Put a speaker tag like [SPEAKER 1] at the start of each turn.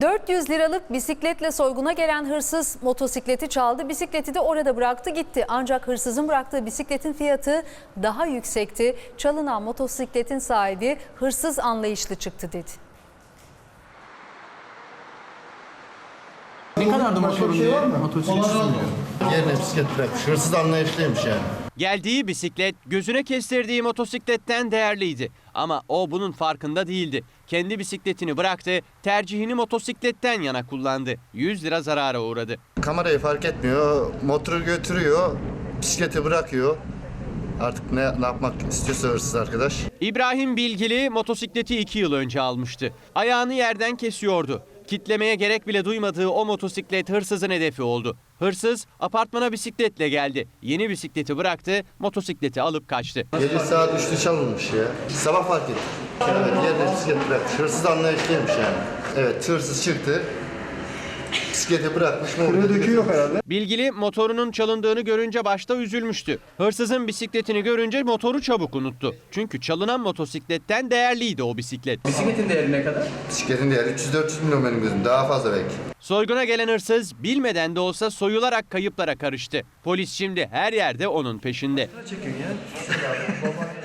[SPEAKER 1] 400 liralık bisikletle soyguna gelen hırsız motosikleti çaldı. Bisikleti de orada bıraktı gitti. Ancak hırsızın bıraktığı bisikletin fiyatı daha yüksekti. Çalınan motosikletin sahibi hırsız anlayışlı çıktı dedi.
[SPEAKER 2] Ne kadardı motorun diye? Motosiklet sürüyor.
[SPEAKER 3] Yerine bisiklet bırakmış. Hırsız anlayışlıymış yani.
[SPEAKER 4] Geldiği bisiklet gözüne kestirdiği motosikletten değerliydi. Ama o bunun farkında değildi. Kendi bisikletini bıraktı, tercihini motosikletten yana kullandı. 100 lira zarara uğradı.
[SPEAKER 3] Kamerayı fark etmiyor. Motoru götürüyor. Bisikleti bırakıyor. Artık ne yapmak istiyorsa hırsız arkadaş.
[SPEAKER 4] İbrahim Bilgili motosikleti 2 yıl önce almıştı. Ayağını yerden kesiyordu. Kitlemeye gerek bile duymadığı o motosiklet hırsızın hedefi oldu. Hırsız apartmana bisikletle geldi. Yeni bisikleti bıraktı, motosikleti alıp kaçtı.
[SPEAKER 3] Gece saat 3'te çalınmış ya. Sabah fark ettim. Evet, yerine bisiklet bırakmış. Hırsız anlayışlıymış yani. Evet, hırsız çıktı. Bisikleti bırakmış.
[SPEAKER 2] Döküyor herhalde.
[SPEAKER 4] Bilgili motorunun çalındığını görünce başta üzülmüştü. Hırsızın bisikletini görünce motoru çabuk unuttu. Çünkü çalınan motosikletten değerliydi o bisiklet.
[SPEAKER 2] Bisikletin değeri ne kadar?
[SPEAKER 3] Bisikletin değeri 300-400 milyon benim gözüm. Daha fazla belki.
[SPEAKER 4] Soyguna gelen hırsız bilmeden de olsa soyularak kayıplara karıştı. Polis şimdi her yerde onun peşinde.
[SPEAKER 2] Çekin ya.